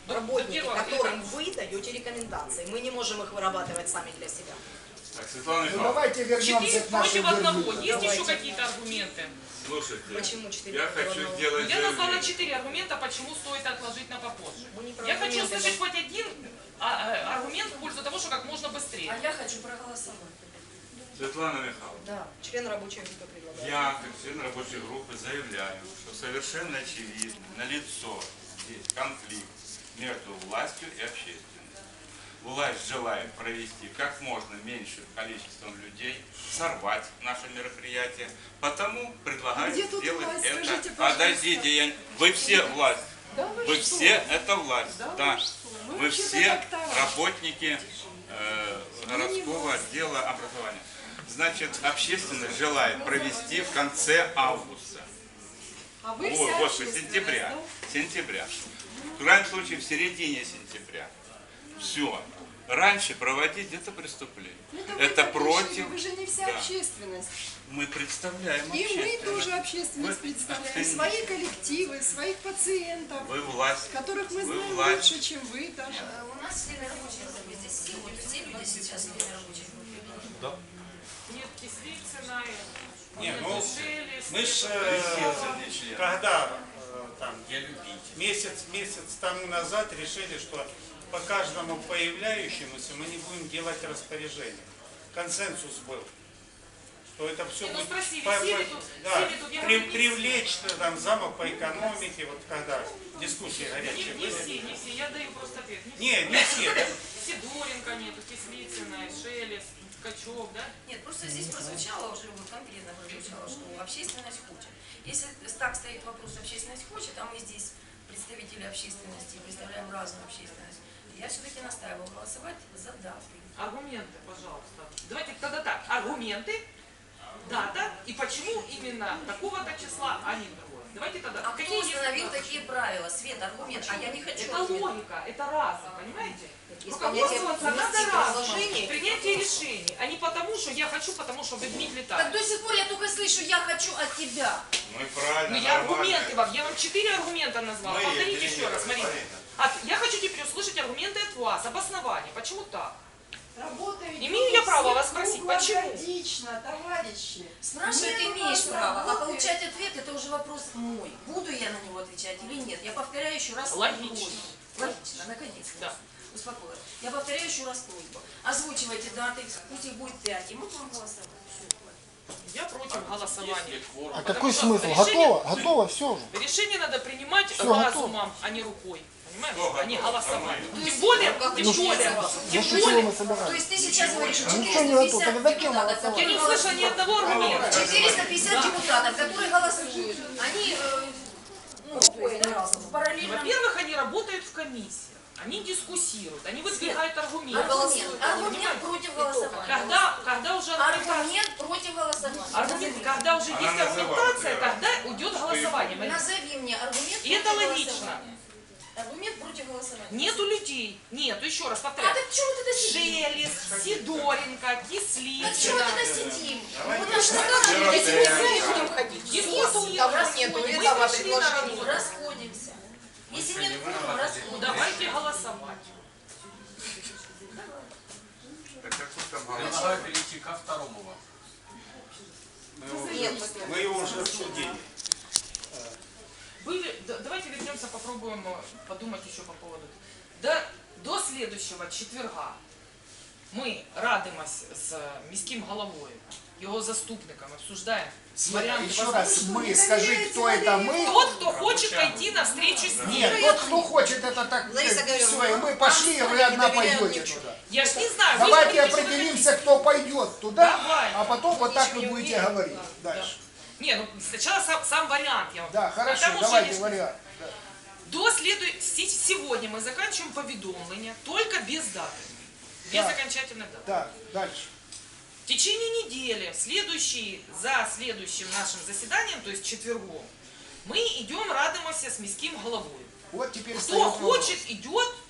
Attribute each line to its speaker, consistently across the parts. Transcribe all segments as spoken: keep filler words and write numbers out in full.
Speaker 1: работники, которым вы даете рекомендации. Мы не можем их вырабатывать сами для себя.
Speaker 2: Так, Светлана
Speaker 3: Ну,
Speaker 2: Михайловна,
Speaker 3: давайте вернемся
Speaker 4: Четыре
Speaker 3: к нашей
Speaker 4: против одного.
Speaker 3: вербовке.
Speaker 4: Есть
Speaker 1: Давайте.
Speaker 4: еще какие-то аргументы?
Speaker 2: слушайте,
Speaker 1: Почему четыре
Speaker 2: я
Speaker 1: против
Speaker 2: хочу
Speaker 1: одного?
Speaker 2: сделать
Speaker 4: Я назвала
Speaker 2: заявление.
Speaker 4: четыре аргумента, почему стоит отложить на попозже.
Speaker 1: Мы не про
Speaker 4: Я хочу
Speaker 1: аргументы,
Speaker 4: услышать
Speaker 1: но-
Speaker 4: хоть один а, а, аргумент в пользу того, что как можно быстрее.
Speaker 5: А я хочу проголосовать.
Speaker 2: Светлана Михайловна,
Speaker 1: Да, член рабочей группы предлагает.
Speaker 2: я, как член рабочей группы, заявляю, что совершенно очевидно, налицо здесь конфликт между властью и общественностью. Власть желает провести как можно меньшим количеством людей, сорвать наше мероприятие, потому предлагает
Speaker 5: Где тут
Speaker 2: сделать
Speaker 5: власть?
Speaker 2: это.
Speaker 5: Скажите, пожалуйста.
Speaker 2: Подождите, я... вы все власть.
Speaker 5: Да вы,
Speaker 2: Вы
Speaker 5: что?
Speaker 2: все это власть.
Speaker 5: Да
Speaker 2: Да.
Speaker 5: вы что? Мы
Speaker 2: Вы
Speaker 5: вообще-то
Speaker 2: все
Speaker 5: как товарищи.
Speaker 2: работники э, городского отдела образования. Значит, общественность желает провести в конце августа.
Speaker 5: А вы
Speaker 2: О,
Speaker 5: вся
Speaker 2: Господи,
Speaker 5: общественность,
Speaker 2: сентября.
Speaker 5: да?
Speaker 2: Сентября. В крайнем случае в середине сентября. Все. Раньше проводить это преступление.
Speaker 5: Ну, это вы
Speaker 2: Это
Speaker 5: так
Speaker 2: против.
Speaker 5: решили, Вы же не вся
Speaker 2: Да.
Speaker 5: общественность.
Speaker 2: Мы представляем
Speaker 5: И мы
Speaker 2: общественность.
Speaker 5: тоже общественность
Speaker 2: Вы-
Speaker 5: представляем. Свои коллективы, своих пациентов,
Speaker 2: Вы власть.
Speaker 5: которых мы
Speaker 2: Вы
Speaker 5: знаем
Speaker 2: власть.
Speaker 5: лучше, чем вы даже.
Speaker 6: Э, У нас члены рабочей группы здесь все, вот все люди сейчас члены рабочей группы.
Speaker 4: Нет, Кислицына,
Speaker 7: Не,
Speaker 4: нет,
Speaker 7: ну,
Speaker 4: Шелест,
Speaker 7: Мы ж,
Speaker 4: нет,
Speaker 7: э, когда э, там, месяц, месяц тому назад решили, что по каждому появляющемуся мы не будем делать распоряжение. Консенсус был, что это все
Speaker 4: Не, ну
Speaker 7: будет
Speaker 4: спросили,
Speaker 7: по-
Speaker 4: все
Speaker 7: по-
Speaker 4: ли тут-
Speaker 7: да,
Speaker 4: все ли тут, я
Speaker 7: при-
Speaker 4: говорю, не
Speaker 7: привлечь там замок по экономике, вот когда дискуссии
Speaker 4: не,
Speaker 7: горячие
Speaker 4: не
Speaker 7: были.
Speaker 4: все, не все, я даю просто ответ.
Speaker 7: Не, не все. да.
Speaker 4: Сидоренко нету, Кислицына, Шелест, Ткачев, да?
Speaker 6: Нет, просто здесь прозвучало уже, вот конкретно прозвучало, что общественность хочет. Если так стоит вопрос, общественность хочет, а мы здесь представители общественности, представляем разную общественность, я все-таки настаиваю голосовать за даты.
Speaker 4: Аргументы, пожалуйста. Давайте тогда так. Аргументы, дата и почему именно такого-то числа, а не другое. Давайте тогда.
Speaker 6: А кто
Speaker 4: Какие есть
Speaker 6: установил
Speaker 4: даты?
Speaker 6: такие правила? Свет, аргумент, а я не хочу.
Speaker 4: Это
Speaker 6: ответ.
Speaker 4: логика, это разум, понимаете?
Speaker 1: Есть понятие
Speaker 4: Руководствоваться надо
Speaker 1: внести
Speaker 4: разумом,
Speaker 1: предложение.
Speaker 4: принятие решений, а не потому, что я хочу, потому что вы Дмитрий
Speaker 6: Так
Speaker 4: так.
Speaker 6: до сих пор я только слышу, я хочу от тебя.
Speaker 2: Мы правильно.
Speaker 4: Ну я
Speaker 2: нормально.
Speaker 4: аргументы вам, я вам четыре аргумента назвала.
Speaker 2: Мария,
Speaker 4: Повторите
Speaker 2: Мария,
Speaker 4: еще раз, Марина.
Speaker 2: Марина.
Speaker 4: А, я хочу теперь услышать аргументы от вас, обоснование. Почему так?
Speaker 5: Работа ведь
Speaker 4: Имею я право
Speaker 5: всех
Speaker 4: вас спросить, почему?
Speaker 5: круглогодично, товарищи.
Speaker 6: Спрашивать
Speaker 5: Нет у
Speaker 6: имеешь
Speaker 5: нас
Speaker 6: право, а
Speaker 5: работы.
Speaker 6: получать ответ это уже вопрос мой. Буду я на него отвечать или нет? Я повторяю еще раз
Speaker 4: Логично.
Speaker 6: просьбу. Логично, наконец-то.
Speaker 4: Да.
Speaker 6: Успокоилась. Я повторяю еще раз просьбу. Озвучивайте даты, пусть их будет пять, и мы будем голосовать.
Speaker 4: Я против голосования.
Speaker 3: А какой
Speaker 4: что
Speaker 3: смысл?
Speaker 4: решение-
Speaker 3: Готово? Готово, все уже.
Speaker 4: Решение надо принимать
Speaker 3: Всё,
Speaker 4: разумом, а не рукой. Понимаешь?
Speaker 2: Кто
Speaker 4: А не
Speaker 2: готов?
Speaker 4: голосованием.
Speaker 6: То
Speaker 4: Тем
Speaker 6: есть,
Speaker 4: более,
Speaker 6: ну, как
Speaker 4: тем
Speaker 6: вы
Speaker 4: более,
Speaker 6: считаете?
Speaker 4: тем
Speaker 3: Ну, чего мы
Speaker 4: более.
Speaker 6: То
Speaker 3: собираемся?
Speaker 6: есть ты сейчас говоришь, что
Speaker 3: Ничего не
Speaker 6: четыреста
Speaker 3: готово.
Speaker 6: пятьдесят
Speaker 3: Тогда зачем
Speaker 6: депутатов,
Speaker 3: голосовать?
Speaker 4: Я не
Speaker 6: которые
Speaker 4: услышала ни одного аргумента.
Speaker 6: четыреста пятьдесят депутатов, которые голосуют, они э, ну, то есть, да, параллельно.
Speaker 4: Во-первых, они работают в комиссии. Они дискуссируют, они выдвигают аргументы.
Speaker 6: Аргумент, аргумент против голосования.
Speaker 4: Когда, когда уже аргументация,
Speaker 6: Аргумент против голосования.
Speaker 4: аргумент, когда уже
Speaker 2: Она
Speaker 4: есть
Speaker 2: называла,
Speaker 4: аргументация,
Speaker 2: да.
Speaker 4: тогда уйдет голосование. Марина.
Speaker 6: Назови мне аргумент
Speaker 4: И это
Speaker 6: против
Speaker 4: логично.
Speaker 6: голосования. Аргумент против голосования.
Speaker 4: Нету людей. Нету, еще раз
Speaker 6: А
Speaker 4: повторяю.
Speaker 6: так чего мы тогда сидим?
Speaker 4: Шелест, Сидоренко,
Speaker 6: Так чего мы
Speaker 4: Кислицына.
Speaker 6: тогда сидим?
Speaker 2: Давайте.
Speaker 6: Вот наш
Speaker 2: Давайте.
Speaker 6: народ
Speaker 1: Если мы будем ходить,
Speaker 4: Нету,
Speaker 1: нету,
Speaker 4: нету,
Speaker 1: того
Speaker 4: нету.
Speaker 1: нету,
Speaker 4: Мы
Speaker 1: этого
Speaker 4: пришли на
Speaker 1: предложения.
Speaker 4: работу.
Speaker 6: расходимся. Если нет кворума,
Speaker 4: Ну
Speaker 6: расходимся.
Speaker 4: давайте голосовать.
Speaker 2: Так какой там голос?
Speaker 8: Предлагаю перейти ко второму вам.
Speaker 7: Мы его
Speaker 1: Нет,
Speaker 7: уже- мы его уже обсудили.
Speaker 4: Были, да- давайте вернемся, попробуем э, подумать еще по поводу. До, до следующего четверга ми радимось з міським головою, його заступником, обсуждаємо варіанти.
Speaker 3: Еще раз, мы, скажи, кто это мы?
Speaker 4: Тот, кто хочет пойти навстречу с ним.
Speaker 3: Нет, тот, кто хочет, это так,
Speaker 1: Лариса
Speaker 3: все, и
Speaker 1: Гавриловна,
Speaker 3: мы пошли, и вы одна
Speaker 1: доверяем
Speaker 3: пойдете
Speaker 1: ничего.
Speaker 3: туда.
Speaker 4: Я ж не знаю, вы
Speaker 3: Давайте
Speaker 4: же говорите,
Speaker 3: определимся, кто пойдет туда,
Speaker 4: Давай.
Speaker 3: а потом вот так
Speaker 4: Ничего
Speaker 3: вы
Speaker 4: не
Speaker 3: будете
Speaker 4: уверен.
Speaker 3: говорить
Speaker 4: Да,
Speaker 3: дальше.
Speaker 4: да. Не, ну сначала сам, сам вариант я вам.
Speaker 3: Да,
Speaker 4: А
Speaker 3: хорошо,
Speaker 4: там уже
Speaker 3: давайте
Speaker 4: есть-
Speaker 3: вариант. Да.
Speaker 4: До следу... се- Сегодня мы заканчиваем поведомление только без даты. Без
Speaker 3: Да.
Speaker 4: окончательной даты.
Speaker 3: Так, дальше.
Speaker 4: В течение недели, следующий, за следующим нашим заседанием, то есть четвергом, мы идем радимся с міським головою.
Speaker 3: Вот теперь
Speaker 4: Кто
Speaker 3: встает вопрос.
Speaker 4: хочет, идет,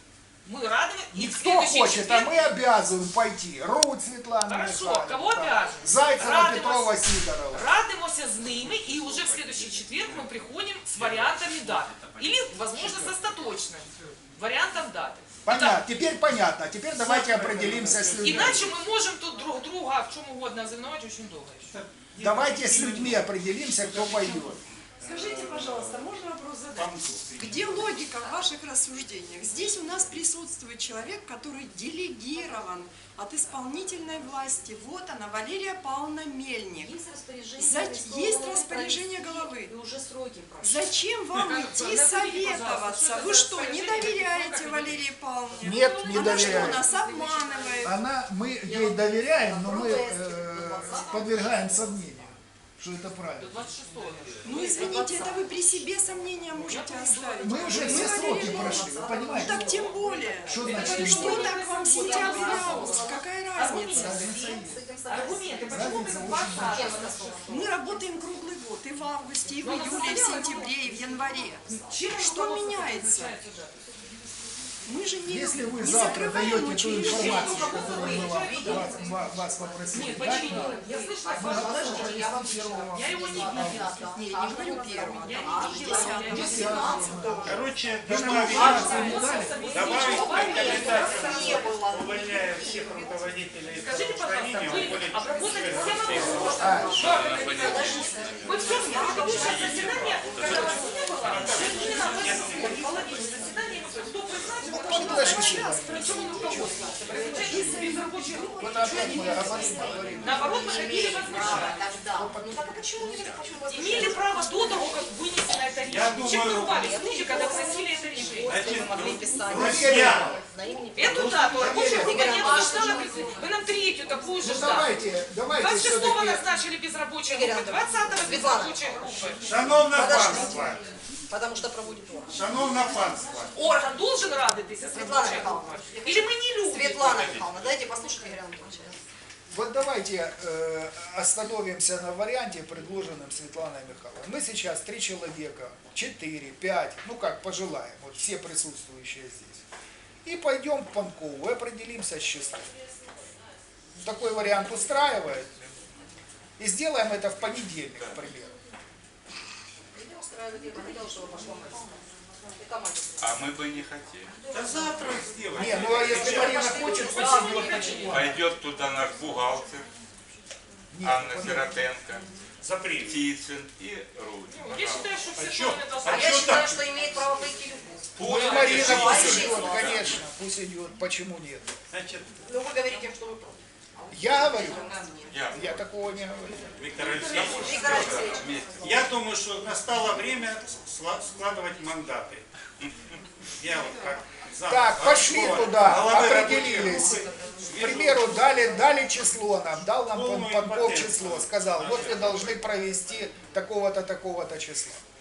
Speaker 4: Мы радуем. И в
Speaker 3: Кто
Speaker 4: следующий
Speaker 3: хочет, а
Speaker 4: четверг-
Speaker 3: мы обязаны пойти. Руть Светлана
Speaker 4: Хорошо,
Speaker 3: Михайловна,
Speaker 4: кого
Speaker 3: там,
Speaker 4: обязаны?
Speaker 3: Зайцева
Speaker 4: Радимас.
Speaker 3: Петрова Сидорова.
Speaker 4: Радимося з ними, и уже в следующий четверг мы приходим с вариантами дат. Или, возможно, с остаточным вариантом даты.
Speaker 3: Понятно, теперь понятно. А теперь давайте определимся с людьми.
Speaker 4: Иначе мы можем тут друг друга в чем угодно ознаменовать очень долго еще.
Speaker 3: Давайте с людьми определимся, кто пойдет.
Speaker 5: Скажите, пожалуйста, можно вопрос задать? Где логика в ваших рассуждениях? Здесь у нас присутствует человек, который делегирован от исполнительной власти. Вот она, Валерия Павловна Мельник.
Speaker 1: Есть распоряжение,
Speaker 5: За-
Speaker 1: арестованного
Speaker 5: есть распоряжение головы.
Speaker 1: И уже сроки прошли.
Speaker 5: Зачем вам идти советоваться? Вы что, не доверяете Валерии Павловне?
Speaker 3: Нет, не
Speaker 5: Она что,
Speaker 3: доверяю.
Speaker 5: нас обманывает?
Speaker 3: Она, мы ей доверяем, но мы э, подвергаем сомнению, что это правильно.
Speaker 4: двадцать шестого.
Speaker 5: Ну, извините, это вы при себе сомнения можете оставить.
Speaker 3: Мы уже
Speaker 5: Вы
Speaker 3: все
Speaker 5: Валерия
Speaker 3: сроки
Speaker 5: Павловна,
Speaker 3: прошли, вы
Speaker 5: Ну,
Speaker 3: понимаете?
Speaker 5: так тем более.
Speaker 3: Что значит?
Speaker 5: Что так вам сентябрь и август? Какая разница?
Speaker 4: Аргументы, почему вы двадцатого?
Speaker 5: Мы работаем круглый год, и в августе, и в июле, и в сентябре, и в январе.
Speaker 4: Чем
Speaker 5: Что
Speaker 4: руководство
Speaker 5: меняется?
Speaker 4: назначается дата?
Speaker 5: Мы же не,
Speaker 3: Если вы
Speaker 5: не
Speaker 3: завтра
Speaker 5: закрываем
Speaker 3: даете ту
Speaker 5: учреждение.
Speaker 3: информацию, которую мы вам, вас, вас- вас попросили,
Speaker 4: Нет,
Speaker 3: дать
Speaker 4: почему?
Speaker 3: нам,
Speaker 4: Я слышала
Speaker 3: мы
Speaker 4: слова,
Speaker 3: готовы
Speaker 1: Подождите, я вам
Speaker 3: провести первого.
Speaker 4: Я его не видела.
Speaker 5: Не, я не говорю первого.
Speaker 4: Я не видела, я не видела.
Speaker 7: Короче,
Speaker 3: Вы нам
Speaker 7: добавить,
Speaker 3: информацию не дали?
Speaker 7: добавить рекомендацию,
Speaker 1: Не было.
Speaker 7: увольняя всех руководителей
Speaker 4: Скажите, пожалуйста,
Speaker 7: здравоохранения,
Speaker 4: вы
Speaker 7: уволить
Speaker 4: обработали
Speaker 7: всех
Speaker 4: все вопросы?
Speaker 3: А,
Speaker 4: Вы все предыдущее заседание, когда вас не было, именно в половине заседания, кто призначил,
Speaker 3: подождите.
Speaker 4: причем он руководствовался. Призначение без рабочей группы.
Speaker 3: Вот опять мы говорим.
Speaker 4: Наоборот, мы хотели возмущать.
Speaker 1: Тогда. Ну так а почему не почему вас
Speaker 4: Имели право до того, как вынесено это решение. Чем вы
Speaker 7: думаю,
Speaker 4: рвались в люди, когда вносили это решение?
Speaker 7: Значит,
Speaker 1: могли писать?
Speaker 7: друзья,
Speaker 1: На имени
Speaker 4: Эту дату рабочая группа не обсуждала. Вы нам третью такую же
Speaker 3: Ну
Speaker 4: ждали.
Speaker 3: давайте, давайте
Speaker 4: двадцать шестого
Speaker 3: все-таки.
Speaker 4: назначили без рабочей
Speaker 1: Игорь
Speaker 4: группы,
Speaker 1: Анатольевич,
Speaker 4: двадцатого без
Speaker 1: Светлана.
Speaker 4: рабочей группы.
Speaker 7: шановне
Speaker 1: Подождите.
Speaker 7: панство,
Speaker 1: Потому что проводит орган.
Speaker 7: шановне панство,
Speaker 4: Орган должен радитися з
Speaker 1: Светлана
Speaker 4: рабочей
Speaker 1: Михайловна.
Speaker 4: группой? Или мы не любим?
Speaker 1: Светлана Михайловна, дайте послушать Игоря Анатольевича.
Speaker 3: Вот давайте э, остановимся на варианте, предложенном Светланой Михайловной. Мы сейчас три человека, четыре, пять, ну как пожелаем, вот все присутствующие здесь. И пойдем к Панкову и определимся с числом. Такой вариант устраивает. И сделаем это в понедельник, к примеру.
Speaker 1: Меня устраивает, я бы хотела, чтобы пошла мать. И команда.
Speaker 2: А мы бы не хотели.
Speaker 7: да завтра сделаем.
Speaker 3: Не, ну а если Марина хочет, пусть идет, почему?
Speaker 2: Пойдет туда наш бухгалтер,
Speaker 3: Нет,
Speaker 2: Анна
Speaker 3: подожди.
Speaker 2: Сиротенко,
Speaker 7: Запрет.
Speaker 2: Птицын и Рудь.
Speaker 4: Я считаю, что все
Speaker 7: чё?
Speaker 4: стороны должны...
Speaker 1: А
Speaker 7: А
Speaker 1: я
Speaker 7: чё
Speaker 1: считаю,
Speaker 7: так?
Speaker 1: что имеет право пойти любой.
Speaker 3: Ну, Марина пусть
Speaker 1: Пусть
Speaker 3: идет,
Speaker 1: идет.
Speaker 3: конечно, пусть идет. Почему нет?
Speaker 7: Значит,
Speaker 1: Ну вы говорите, что вы против.
Speaker 3: Я говорю,
Speaker 2: Я,
Speaker 3: я такого не говорю.
Speaker 7: Виктор Алексеевич,
Speaker 1: Виктор Алексеевич.
Speaker 7: я думаю, что настало время сла- складывать мандаты. Я вот как зам
Speaker 3: Так, пошли
Speaker 7: городского
Speaker 3: туда,
Speaker 7: головы
Speaker 3: определились.
Speaker 7: рабочей группы
Speaker 3: К
Speaker 7: вижу
Speaker 3: примеру, дали, дали число нам, дал нам
Speaker 7: полную
Speaker 3: Панков
Speaker 7: импотенцию.
Speaker 3: число, сказал, вот вы должны провести такого-то, такого-то числа.